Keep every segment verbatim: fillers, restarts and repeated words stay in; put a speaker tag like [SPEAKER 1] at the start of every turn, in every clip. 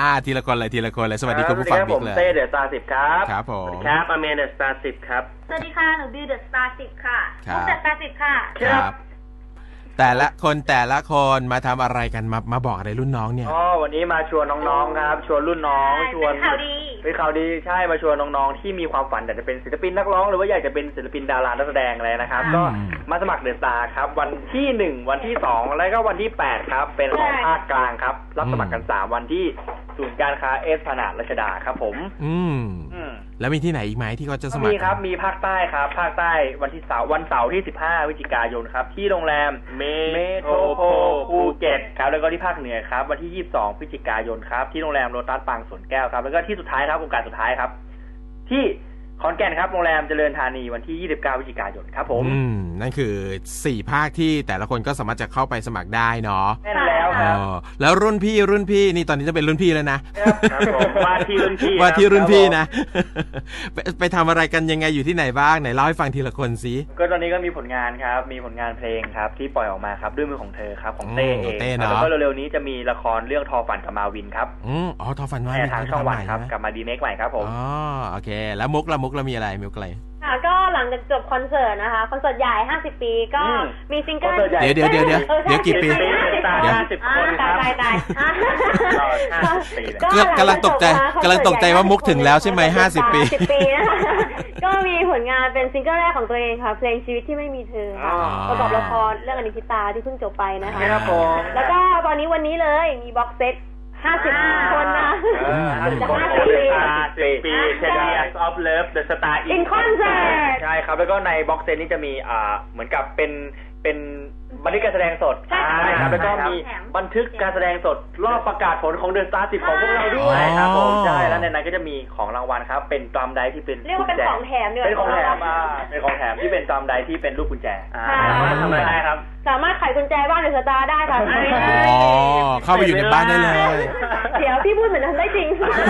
[SPEAKER 1] ทีละคนเลยทีละคนเลยสวัสดีคุณผู้ฟังบิ๊กเลย
[SPEAKER 2] ผมเต้เดอะสตาร์สิบครับ
[SPEAKER 1] ครับผม
[SPEAKER 2] สวัสดีครับอเมนเดอะสตาร์สิบครับ
[SPEAKER 3] สวัสดีค่ะหนูบิวเดอะสตาร์สิบค่ะมุกเดอะสตาร์สิบค่ะ
[SPEAKER 1] ครับแต่ละคนแต่ละคนมาทำอะไรกันมามาบอกอะไรรุ่นน้องเนี่ย
[SPEAKER 2] อ๋อวันนี้มาชวนน้องๆครับชวนรุ่นน้องชวน
[SPEAKER 3] เป็นข่าวดี
[SPEAKER 2] เป็นข่าวดีใช่มาชวนน้องๆที่มีความฝันอยากจะเป็นศิลปินนักร้องหรือว่าอยากจะเป็นศิลปินดารานักแสดงอะไรนะครับก็มาสมัครเดอะสตาร์ครับวันที่หนึ่งวันที่สองแล้วก็วันที่แปดครับเป็นของภาคกลางครับรับสมัครกันสามวันที่ศูนย์การค้าเอสพนาดรัชดาครับผม
[SPEAKER 1] อืมแล้วมีที่ไหนอีกไหมที่เขาจะสมัคร
[SPEAKER 2] มีครับมีภาคใต้ครับภาคใต้วันที่เสาร์วันเสาร์ที่สิบห้าพฤศจิกายนครับที่โรงแรมเมโทรโพภูเก็ตครับแล้วก็ที่ภาคเหนือครับวันที่ยี่สิบสองพฤศจิกายนครับที่โรงแรมโลตัสปางสวนแก้วครับแล้วก็ที่สุดท้ายครับโครงการสุดท้ายครับที่ขอนแก่นครับโรงแรมเจริญธานีวันที่ยี่สิบเก้าพฤศจิกายนครับผม
[SPEAKER 1] อืมนั่นคือสี่ภาคที่แต่ละคนก็สามารถจะเข้าไปสมัครได้เนาะ
[SPEAKER 2] แน่นแล้วครับ
[SPEAKER 1] แล้วรุ่นพี่รุ่นพี่นี่ตอนนี้จะเป็นรุ่นพี่แล้วนะครับ
[SPEAKER 2] ผมว่าที่รุ่นพี่
[SPEAKER 1] ว่าที่รุ่นพี่นะไปไปทำอะไรกันยังไงอยู่ที่ไหนบ้างไหนเล่าให้ฟังทีละคนสิ
[SPEAKER 2] ก็ตอนนี้ก็มีผลงานครับมีผลงานเพลงครับที่ปล่อยออกมาครับด้วยมือของเธอครับของเต้เองแล้วก็เร็วๆนี้จะมีละครเรื่องทอฝันกับมาวินครับ
[SPEAKER 1] อืออ๋อทอฝันมา
[SPEAKER 2] วินทางช่องวันครับกลับมาดีเมคใหม่ครับผม
[SPEAKER 1] อ๋อโอเคแล้วมุกละมุกละมีอะไรมุกอะไร
[SPEAKER 3] ค่ะก็หลังจากจบคอนเสิร์ตนะคะคอนเสิร์ตใหญ่ห้าสิบปีก็มีซิงเกิล
[SPEAKER 1] เดี๋ยวเดี๋ยวเดี๋ยวเดี๋ยวเดี๋ยวกี่ปี
[SPEAKER 2] เดี๋ยวห้าสิบคนครับ
[SPEAKER 3] ตายตาย
[SPEAKER 1] กำลังตกใจกำลังตกใจว่ามุกถึงแล้วใช่ไหมห้าสิบปี
[SPEAKER 3] สิบปีนะคะก็มีผลงานเป็นซิงเกิลแรกของตัวเองค่ะเพลงชีวิตที่ไม่มีเธอค่ะประกอบละครเรื่องอนิจจิตาที่เพิ่งจบไปนะคะแล้วก็ตอนนี้วันนี้เลยมีบ็อกเซตห้าสิบคนนะจะห้าสิบปี
[SPEAKER 2] ปี ten years of love the star
[SPEAKER 3] in concert
[SPEAKER 2] ใช่ครับแล้วก็ในบ็อกเซตนี้จะมีอ่าเหมือนกับเป็นเป็นบันทึกการแสดงสดใช่ครับแล้วก็มีบันทึกการแสดงสดรอบประกาศผลของเดอะสตาร์สิบของพวกเราด้วยครับผมใช่แล้วในนั้นก็จะมีของรางวัลครับเป็นตรัมไดที่เป็น
[SPEAKER 3] เรียกว่าเป็นของแถมเนี่ย
[SPEAKER 2] เป็นของแถมอ่าเป็นของแถมที่เป็นตรัมไดที่เป็นลูกกุญแจทำอะไรได้ครับ
[SPEAKER 3] สามารถไขกุญแจบ้านเดอะสตาร์ได้ค่ะ
[SPEAKER 1] อ๋อเข้าไปอยู่ในบ้านได้เลย
[SPEAKER 3] เดี๋ยวพี่พูดเหมือนทำได้จริง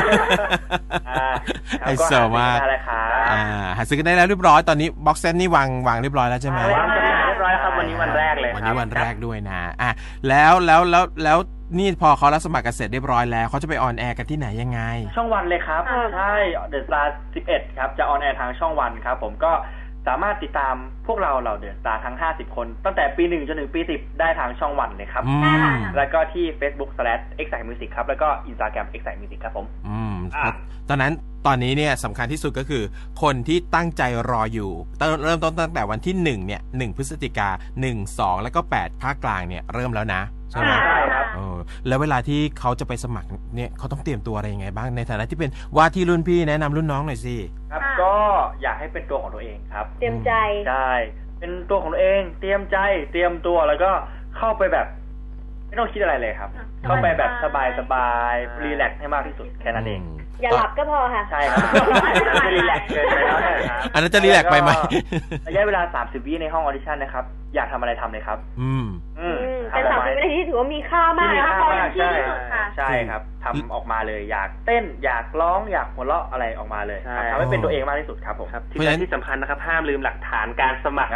[SPEAKER 1] ไฮโซมากอ่าหาซื้อกันได้แล้วเรียบร้อยตอนนี้บ็อกเซตนี่วางวางเรียบร้อยแล้วใช่ไหม
[SPEAKER 2] วางเรียบร้อยครับวันนี้วันแรกเลย
[SPEAKER 1] วันนี้วันแรกด้วยนะอ่ะแล้วแล้วแล้วแล้วนี่พอเขารับสมัครกันเสร็จเรียบร้อยแล้วเขาจะไปออนแอร์กันที่ไหนยังไง
[SPEAKER 2] ช่องวันเลยครับใช่เดอะสตาร์สิบเอ็ดครับจะออนแอร์ทางช่องวันครับผมก็สามารถติดตามพวกเราเหล่าเดอะสตาร์ทั้งห้าสิบคนตั้งแต่ปีหนึ่งจนถึงปีสิบได้ทางช่องวันเลยครับแล้วก็ที่ Facebook slash excite music ครับแล้วก็ Instagram excite music ครับผม
[SPEAKER 1] อืมตอนนั้นตอนนี้เนี่ยสำคัญที่สุดก็คือคนที่ตั้งใจรออยู่เริ่มต้นตั้งแต่วันที่หนึ่งเนี่ยหนึ่งพฤศจิกาหนึ่ง สองแล้วก็แปดภาคกลางเนี่ยเริ่มแล้วนะใช่ไหม
[SPEAKER 2] ใช่ครับ
[SPEAKER 1] เออแล้วเวลาที่เขาจะไปสมัครเนี่ยเขาต้องเตรียมตัวอะไรยังไงบ้างในฐานะที่เป็นว่าที่รุ่นพี่แนะนำรุ่นน้องหน่อยสิ
[SPEAKER 2] ครับก็อยากให้เป็นตัวของตัวเองครับ
[SPEAKER 3] เตรียมใจ
[SPEAKER 2] ใช่เป็นตัวของตัวเองเตรียมใจเตรียมตัวแล้วก็เข้าไปแบบไม่ต้องคิดอะไรเลยครับเข้าไปแบบสบายสบายรีแลกซ์ให้มากที่สุดแค่นั้นเอง
[SPEAKER 3] อย่าหลับก็พอค่ะ
[SPEAKER 2] ใช่ครับจะรีแลกซ์เกินไปแล้วนะครับ
[SPEAKER 1] อันนั้นจะรีแลกซ์ไปไหม
[SPEAKER 2] ระยะเวลาสามสิบวิในห้องออดิชั่นนะครับอยากทำอะไรทำเลยครับ
[SPEAKER 1] อืม
[SPEAKER 3] อืมเป็นสามสิบวินาทีถือว่ามีค่ามากนะคะ
[SPEAKER 2] ใช่ใช่ครับทำออกมาเลยอยากเต้นอยากร้องอยากหัวเราะอะไรออกมาเลยทำให้เป็นตัวเองมากที่สุดครับผมที่ที่สำคัญนะครับห้ามลืมหลักฐานการสมัคร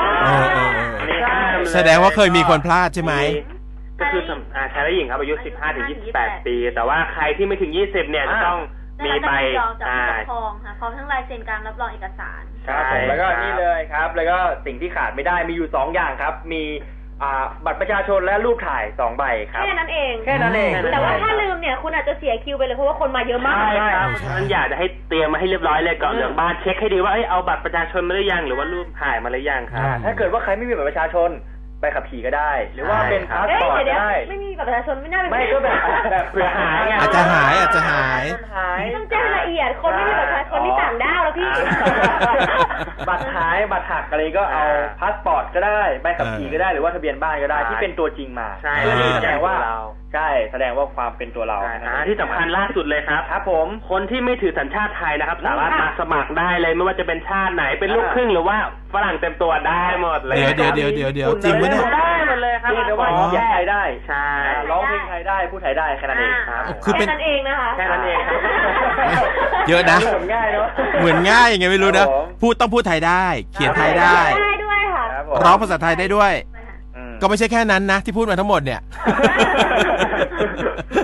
[SPEAKER 1] แสดงว่าเคยมีคนพลาดใช่ไหม
[SPEAKER 2] ก็คือชายและหญิงครับอายุสิบห้าถึงยี่สิบแปดปีแต่ว่าใครที่ไม่ถึงยี่สิบเนี่ยจะต้องมีใบ
[SPEAKER 3] จากผู้ปกครองค่ะพร้อมทั้งลายเซ็นการรับรองเอกสาร
[SPEAKER 2] ครับผมแล้วก็นี่เลยครับแล้วก็สิ่งที่ขาดไม่ได้มีอยู่สองอย่างครับมีบัตรประชาชนและรูปถ่ายสองใบครับ
[SPEAKER 3] แค่นั้นเอง
[SPEAKER 2] แค่นั้นเอง
[SPEAKER 3] แต่ว่าถ้าลืมเนี่ยคุณอาจจะเสียคิวไปเลยเพราะว่าคนมาเยอะมาก
[SPEAKER 2] ใช่ครับฉะนั้นอยากจะให้เตรียมมาให้เรียบร้อยเลยก่อนเหลืองบ้านเช็คให้ดีว่าเอาบัตรประชาชนมาหรือยังหรือว่ารูปถ่ายมาหรือยังครับถ้าเกิดว่าใครไม่มีบัตรประชาชนใบขับขี่ก็ได้หรือว่าเป็นพาสปอร์ตก็ได้
[SPEAKER 3] ไม่มีบัตรประชาชนไม่น่าเป็น
[SPEAKER 2] ไม่ก็แบบแบบเผื่อหาย
[SPEAKER 1] อาจจะหายอาจจะหาย
[SPEAKER 3] ต้องแจ้งละเอียดคนไม่มีบัตรประชาชนที่ต่างด้าวแล้วพี่
[SPEAKER 2] บัตรหายบัตรหักอะไรก็เอาพาสปอร์ตก็ได้ใบขับขี่ก็ได้หรือว่าทะเบียนบ้านก็ได้ที่เป็นตัวจริงมา
[SPEAKER 4] ใช่
[SPEAKER 2] แสดงว่าใช่แสดงว่าความเป็นตัวเรา
[SPEAKER 4] ที่สำคัญล่าสุดเลยครับ
[SPEAKER 2] ครับผม
[SPEAKER 4] คนที่ไม่ถือสัญชาติไทยนะครับสามารถมาสมัครได้เลยไม่ว่าจะเป็นชาติไหนเป็นลูกครึ่งหรือว่าฝรั่งเต็มตัวได้หมดเลย
[SPEAKER 1] เดี๋ยวเดี๋ยวเดี๋ยวเดี๋ยวจริงไหมเนี่ย
[SPEAKER 4] ได้หมดเลยครับ
[SPEAKER 2] ที่จะว่าพูดไทยได้
[SPEAKER 4] ใช่
[SPEAKER 2] ร้องเพลงไทยได้พูดไทยได้แค่นั้นเองครับ
[SPEAKER 3] คือเป็นแค่นั้นเองนะคะ
[SPEAKER 2] แค่นั้นเองครับ
[SPEAKER 1] เยอะนะ
[SPEAKER 2] เหมือนง่ายเนาะ
[SPEAKER 1] เหมือนง่ายยังไงไม่รู้นะพูดต้องพูดไทยได้เขียนไทยได้
[SPEAKER 3] ได้ด้วยค่ะ
[SPEAKER 1] ร้องภาษาไทยได้ด้วยก็ไม่ใช่แค่นั้นนะที่พูดมาทั้งหมดเนี่ย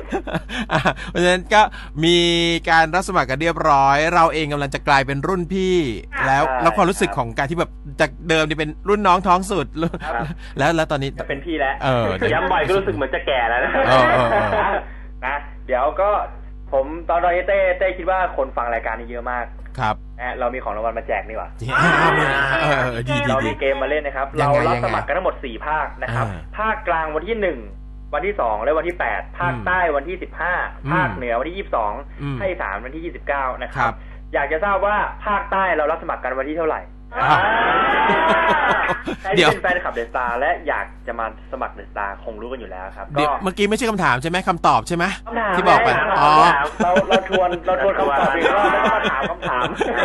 [SPEAKER 1] อ่ะเพราะฉะนั้นก็มีการรับสมัครกันเรียบร้อย เราเองกำลังจะกลายเป็นรุ่นพี่ แล้ว
[SPEAKER 2] ใช่
[SPEAKER 1] แล้วความรู้สึกของการที่แบบจากเดิมนี่เป็นรุ่นน้องท้องสุด แล้วแล้วตอนนี้
[SPEAKER 2] จะเป็นพี่แล้ว
[SPEAKER 1] เออ
[SPEAKER 4] ย้ำบ่อยก็รู้สึกเหมือนจะแก่แล้วนะ
[SPEAKER 1] เออเออเออ
[SPEAKER 2] นะเดี๋ยวก็ผมตอนตอนนี้เต้เต้คิดว่าคนฟังรายการนี้เยอะมาก
[SPEAKER 1] ครับ
[SPEAKER 2] นะเรามีของรางวัลมาแจกนี่หว่า
[SPEAKER 1] เออเออดีดี
[SPEAKER 2] เรา
[SPEAKER 1] ดี
[SPEAKER 2] มีเกมมาเล่นนะครับ
[SPEAKER 1] ยั
[SPEAKER 2] เรา
[SPEAKER 1] งไง
[SPEAKER 2] รับ
[SPEAKER 1] ยังไง
[SPEAKER 2] สมัครกันทั้งหมดสี่ภาคนะครับ
[SPEAKER 1] อ่า
[SPEAKER 2] ภาคกลางวันที่หนึ่งวันที่สองและวันที่แปดภาค
[SPEAKER 1] อืม
[SPEAKER 2] ใต้วันที่สิบห้า
[SPEAKER 1] อืม
[SPEAKER 2] ภาคเหนือวันที่ยี่สิบสอง
[SPEAKER 1] อืม
[SPEAKER 2] ภาคอีสานวันที่ยี่สิบเก้านะค
[SPEAKER 1] ครั
[SPEAKER 2] รับ
[SPEAKER 1] บ
[SPEAKER 2] อยากจะทราบว่าภาคใต้เรารับสมัครกันวันที่เท่าไหร่
[SPEAKER 1] อ่า
[SPEAKER 2] ใคร
[SPEAKER 1] เดี๋
[SPEAKER 2] ที่
[SPEAKER 1] ยว
[SPEAKER 2] เป็นแฟนคลับเดอะสตาร์และอยากจะมาสมัครเดอะสตาร์คงรู้กันอยู่แล้วครับ
[SPEAKER 1] เดี๋ยว
[SPEAKER 2] ก็
[SPEAKER 1] เมื่อกี้ไม่ใช่คำถามใช่ไหมคำตอบใช่ไหม
[SPEAKER 2] คำถาม
[SPEAKER 1] ที่บอกไป
[SPEAKER 2] ไง
[SPEAKER 1] อ๋อ
[SPEAKER 2] เราเราทวนเราทวนคำตอบอีกรอบแล้วก็มาถามคำถาม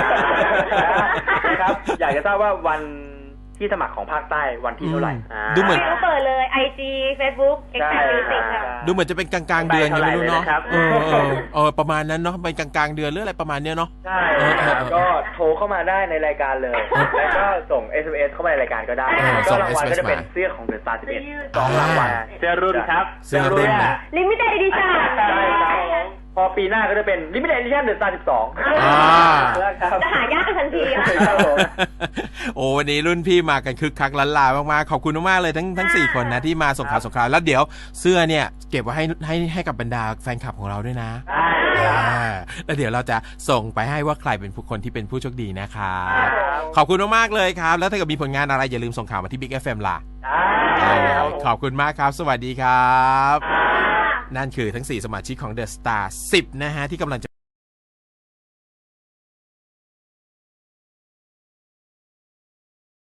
[SPEAKER 2] นะครับ อยากจะทราบว่าวันที่สมัครของภาคใต้วันที่เท่าไหร่
[SPEAKER 1] อืมดูเหมือน
[SPEAKER 3] ก็เปิดเลย ไอ จี Facebook เอ็กซ์
[SPEAKER 2] ใช่
[SPEAKER 3] แพคมิวสิกค่ะ
[SPEAKER 1] ดูเหมือนจะเป็นกลางๆเดือนยังไม่รู้เนาะ
[SPEAKER 4] ไปเท่าไหร่เลยนะครับ
[SPEAKER 1] เออเออเออประมาณนั้นเนาะเป็นกลางๆเดือนหรืออะไรประมาณเนี้ยเนาะ
[SPEAKER 2] ใช่
[SPEAKER 1] เออเออเออ
[SPEAKER 2] ก็โทรเข้ามาได้ในรายการเลย แล้วก็ส่ง เอส เอ็ม เอส เข้ามาในรายการก็ได้
[SPEAKER 1] เออ
[SPEAKER 2] ก็
[SPEAKER 1] ส่ง
[SPEAKER 2] รางวัล
[SPEAKER 1] เอส เอ็ม เอส
[SPEAKER 2] ก็จะเป็น
[SPEAKER 1] มา
[SPEAKER 2] เสื้อของเดอะสตาร์สิบเอ็ดสองรางวัล
[SPEAKER 4] เสื้อรุ่นครับ
[SPEAKER 1] เสื้อรุ่นนะ
[SPEAKER 3] ลิมิเต็ดอีดิชั่น
[SPEAKER 2] ใช่ครับพอปีหน้าก็จะเป็น Limited Edition เดอะสตาร์สิบสอง
[SPEAKER 1] อ่า
[SPEAKER 2] ครับ
[SPEAKER 3] จะหายากกันทันทีอะ
[SPEAKER 2] ครับผม
[SPEAKER 1] โอ้วันนี้รุ่นพี่มากันคึกคักล้านลามากๆขอบคุณมากๆเลยทั้งทั้งสี่คนนะที่มาส่งข่าวส่งข่าวแล้วเดี๋ยวเสื้อเนี่ยเก็บไว้ให้ให้ให้กับบรรดาแฟนคลับของเราด้วยนะ
[SPEAKER 2] ได้ครับ
[SPEAKER 1] อ่าแล้วเดี๋ยวเราจะส่งไปให้ว่าใครเป็นผู้คนที่เป็นผู้โชคดีนะครับ
[SPEAKER 2] ครับ
[SPEAKER 1] ขอบคุณมากๆเลยครับ แล้วถ้าเกิดมีผลงานอะไรอย่าลืมส่งข่าวมาที่ Big เอฟ เอ็ม ล่ะ
[SPEAKER 2] ได้ครับ
[SPEAKER 1] ขอบคุณมากครับ สวัสดีครับ นั่นคือทั้งสี่สมาชิกของ The Star สิบนะฮะที่กำลังจะ